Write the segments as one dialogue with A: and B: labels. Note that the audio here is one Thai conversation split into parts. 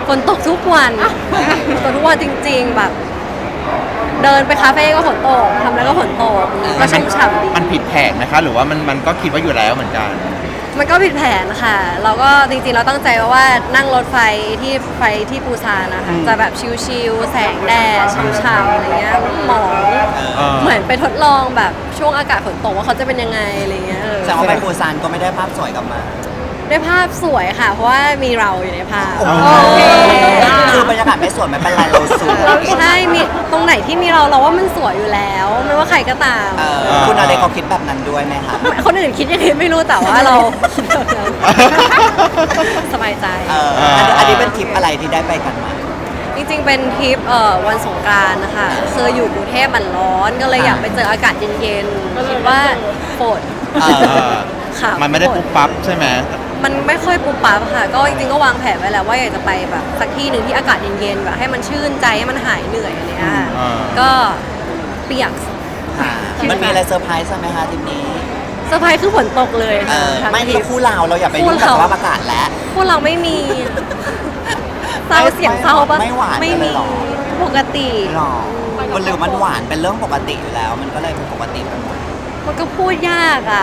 A: ฝนตกทุกวันตกทุกวันจริงๆแบบเดินไปคาเฟ่ก็ฝนตกทำแล้วก็ฝนตกก็ชุ่มฉ่ำดี
B: มันผิดแผนนะคะหรือว่ามันก็คิดว่าอยู่แล้วเหมือนกัน
A: มันก็ผิดแผนค่ะเราก็จริงๆเราตั้งใจว่านั่งรถไฟที่ปูซานนะคะจะแบบชิลๆแสงแดดช่ำๆอะไรเงี้ยหมองเหมือนไปทดลองแบบช่วงอากาศฝนตกว่าเขาจะเป็นยังไงอะไรเงี้ย
C: แสดงว่าไปปูซานก็ไม่ได้ภาพสวยกลับมา
A: ได้ภาพสวยค่ะเพราะว่ามีเราอยู่ในภาพ
C: คือบรรยากาศไม่สวยไม่เป็นไรเราสวย
A: ใช่มีตรงไหนที่มีเราว่ามันสวยอยู่แล้วไม่ว่าใครก็ตาม
C: คุณอะไรเขาคิดแบบนั้นด้วยไหมคะ
A: คนอื่นคิดยังไงไม่รู้แต่ว่าเราคิดแบบนั้นสบายใจ
C: อันนี้เป็นทริปอะไรที่ได้ไปกันมา
A: จริงๆเป็นทริปวันสงกรานต์นะคะคืออยู่กรุงเทพมันร้อนก็เลยอยากไปเจออากาศเย็นๆคิดว่าฝนค่ะ
B: มันไม่ได้ปุ๊บปั๊บใช่ไหม
A: มันไม่ค่อยปุ๊บปั๊บค่ะก็จริงๆก็วางแผนไว้แล้วว่าอยากจะไปแบบสักที่หนึ่งที่อากาศเย็นๆแบบให้มันชื่นใจให้มันหายเหนื่อยอะไรเงี้ยก็เปียก
C: มันมีอะไรเซอร์ไพรส์ไหมคะทริปนี้
A: เซอร์ไพรส์คือฝนตกเลย
C: ไม่ที่คู่เราอย่าไปยุ่งกับสภาพอากาศแล้ว
A: คู่เราไม่มีเศร้าเสียงเศร้าปะ
C: ไม่หวาน
A: ไม่มีปกติ
C: หรอมันหรือมันหวานเป็นเรื่องปกติอยู่แล้วมันก็เลยเป็นปกติไปหมด
A: มันก็พูดยากอ่ะ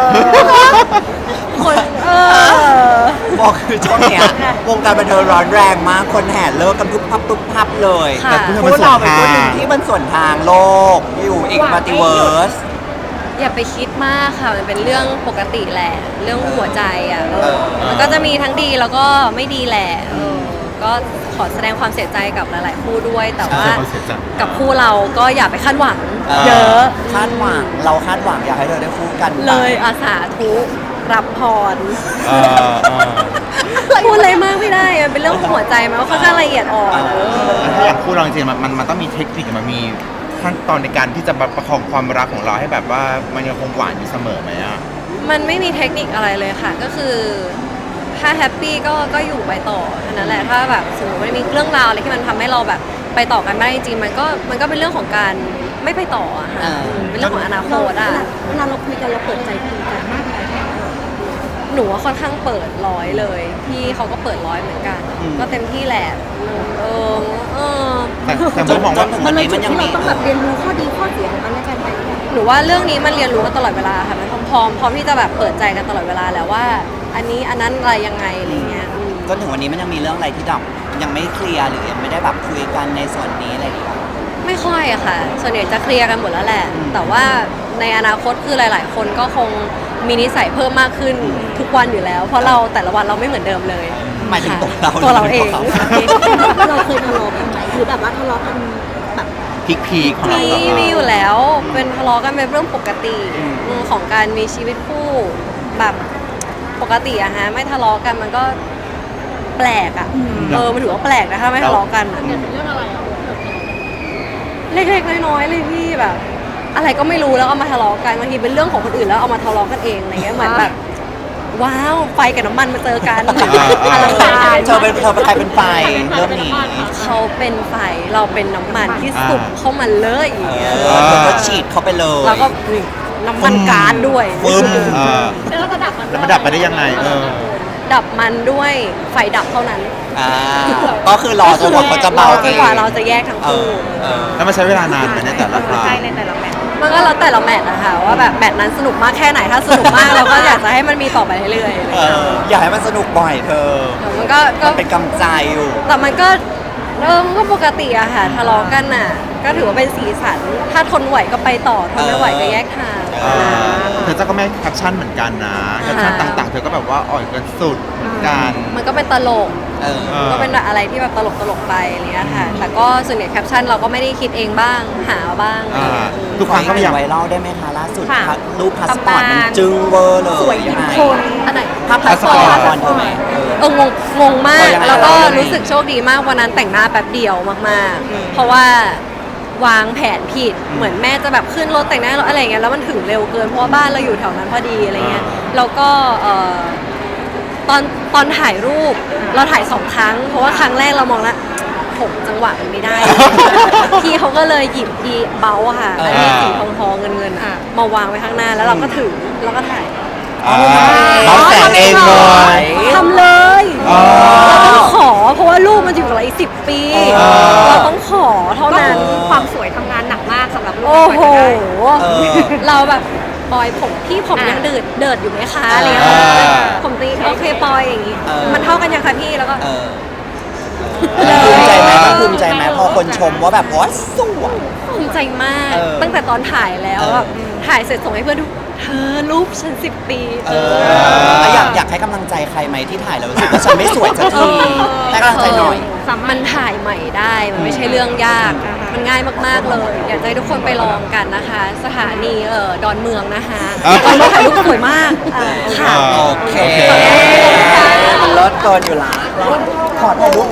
A: คน
C: บอกคือช่วงเนี้ยวงการบันเทิงร้อนแรงมากคนแห่เลิกกันปุ๊บพับเลย
B: แต่
C: พวกเราเป็นคนหนึ่งที่มันส่วนทางโลกอยู่อีกมัลติเวิร์ส
A: อย่าไปคิดมากค่ะมันเป็นเรื่องปกติแหละเรื่องหัวใจอ่ะมันก็จะมีทั้งดีแล้วก็ไม่ดีแหละก็ขอแสดงความเสียใจกับหลายๆคู่ด้วยแต่ว่ากับคู่เราก็อย่าไปคาดหวังเยอะ
C: คาดหวังเราคาดหวังอยากให้เธอได้คู่กัน
A: เลยอาสาทุรับพรพูดอะไรมากไม่ได้มันเป็นเรื่องหัวใจมันก็ค่อนข้างละเอียดอ่อน
B: ถ้าอย่างคู่เราจริงๆมันต้องมีเทคนิคมันมีขั้นตอนในการที่จะประคองความรักของเราให้แบบว่ามันยังคงหวานอยู่เสมอไหมอ่ะ
A: มันไม่มีเทคนิคอะไรเลยค่ะก็คือถ้าแฮปปี้ก็อยู่ไปต่อเท่านั้นแหละถ้าแบบสมมติมันมีเรื่องราวอะไรที่มันทำให้เราแบบไปต่อกันไม่ได้จริงมันก็เป็นเรื่องของการไม่ไปต่อค่ะเป็นเรื่องของอนาคตอ่ะ
D: เวลาเราคุยกันเราเปิดใจคุยกันมากเลย
A: หนูว่าค่อนข้างเปิดร้อยเลยพี่เขาก็เปิดร้อยเหมือนกันก็เต็มที่แหละ
B: แต่ผมมองว่า
D: มันเลยจุดที่เราต้องแบบเรียนรู้ข้อดีข้อเสียของกันและกันไป
A: หนูว่าเรื่องนี้มันเรียนรู้กันตลอดเวลาค่ะมันพร้อมที่จะแบบเปิดใจกันตลอดเวลาแล้วว่าอันนี้อันนั้นอะไรยังไงอะไรเงี้ย
C: ก็ถึงวันนี้มันยังมีเรื่องอะไรที่ยังไม่เคลียร์หรือยังไม่ได้แบบคุยกันในส่วนนี้อะไรอย่างเงี้ย
A: ไม่ค่อยอะค่ะส่วนใหญ่จะเคลียร์กันหมดแล้วแหละแต่ว่าในอนาคตคือหลายๆคนก็คงมีนิสัยเพิ่มมากขึ้นทุกวันอยู่แล้วเพราะเราแต่ละวันเราไม่เหมือนเดิมเลย
C: หมายถึง
A: ตัวเราเอง
D: เราเคยทะเลาะกันไหมหรือแบบว่าทะเลาะกันแบบ
B: พีคของเรา
A: มีอยู่แล้วเป็นทะเลาะกันเป็นเรื่องปกติของการมีชีวิตคู่แบบปกติอะฮะไม่ทะเลาะกันมันก็แปลกอะมันถือว่าแปลกนะถ้าไม่ทะเลาะกันเรื่องอะไรเล็กๆน้อยๆเลยพี่แบบอะไรก็ไม่รู้แล้วเอามาทะเลาะกันบางทีเป็นเรื่องของคนอื่นแล้วเอามาทะเลาะกันเองอะไรเงี้ยเหมือนแบบว้าวไฟกับน้ำมันมาเจอกันอะไร
C: เธอเป็นใครเป็นไฟเรื่องนี้
A: เขาเป็นไฟเราเป็นน้ำมันที่สุกเข้ามาเลยอย่างเงี้ย
C: แล้วก็ฉีดเข้าไปเลย
A: แล้วก็น้ำมันก๊าซด้วย
D: แล้วก็ดับ
B: มันดับไปได้ยังไง
A: ดับมันด้วยไฟดับเท่านั้น
C: ก็คือรอจนกว่าเขาจะเบาเอง
A: กว่าเราจะแยกทั้งคู่
B: แล้วมันใช้เวลานานไหมในแต่ละครั้ง
A: ในแต่ละแมตช์มันก็แล้วแต่ละแมตช์นะคะว่าแบบแมตช์นั้นสนุกมากแค่ไหนถ้าสนุกมากเราก็อยากจะให้มันมีต่อไปเรื่อย
C: ๆอยากให้มันสนุกบ่อยเธอ
A: มันก็
C: เป็นกำใจอยู่
A: แต่มันก็ปกติอะค่ะทะเลาะกันน่ะก็ถือว่าเป็นสีสันถ้าทนไหวก็ไปต่อทนไม่ไหวก็แยกทาง
B: เธอก็ไม่แคปชั่นเหมือนกันนะแคปชั่นต่างๆเธอก็แบบว่าอ่อยกันสุดเหมือนกัน
A: มันก็เป็นตลกก็เป็นอะไรที่แบบตลกไปอะไรเงี้ยค่ะแต่ก็ส่วนใหญ่แคปชั่นเราก็ไม่ได้คิดเองบ้างหาบ้าง
B: ทุกครั้งก็พยายาม
C: ไวรัลได้ไหมคะล่าสุดรูปพาสปอร์ตมันจึงเวอร์เลย
A: สวยทุกคนอันไหน
C: ภาพพาสปอร์ต
A: งงมากแล้วก็รู้สึกโชคดีมากวันนั้นแต่งหน้าแป๊บเดียวมากๆเพราะว่าวางแผนผิดเหมือนแม่จะแบบขึ้นรถแต่งหน้าอะไรเงี้ยแล้วมันถึงเร็วเกินเพราะว่าบ้านเราอยู่แถวนั้นพอดีอะไรเงี้ยแล้วก็ตอนถ่ายรูปเราถ่าย2 ครั้งเพราะว่าครั้งแรกเรามองแล้วผมจังหวะมันไม่ได้พี่เขาก็เลยหยิบอีเบลค่ะอันนี้สีทองเงินมาวางไว้ข้างหน้าแล้วเราก็ถือแล้วก็ถ่าย
B: เราแต่งเองเลย
A: ทำเลยเราต้องขอเพราะว่าลูกมันอยู่กับเราอีก10 ปี เราต้องขอเท่านั้น
E: ความสวยทำงานหนักมากสำหรับลูก
A: โอ้โห
C: เออ
A: เราแบบปอยผมพี่ผมยังเดิดอยู่ไหมคะอะไรเงี้ย
B: อ่า
A: ผมตีโอเคปอยอย่างงี้ มันเท่ากันยังคะพี่แล้วก็
C: เออภูมิใจไหมมันภูมิใจไหมพอคนชมว่าแบบโอ๊ยสวย
A: ภูมิใจมาก
C: เออ
A: ตั้งแต่ตอนถ่ายแล้ว
C: เออ
A: แบบถ่ายเสร็จส่งให้เพื่อนดูเธอรูปฉัน10 ปี
C: แล้วอยากให้กำลังใจใครไหมที่ถ่ายแล้วรู้สึกว่าฉันไม่สวยสักทีให้กำลังใจหน่อย
A: มันถ่ายใหม่ได้ มันไม่ใช่เรื่องยาก มันง่ายมากๆเลย อยากจะให้ทุกคนไปลองกันนะคะ สถานีดอนเมืองนะคะตอนนี้ถ่ายรูปสวยมากค่ะ
C: โอเคมันลดเกินอยู่ละขอถ่ายรูป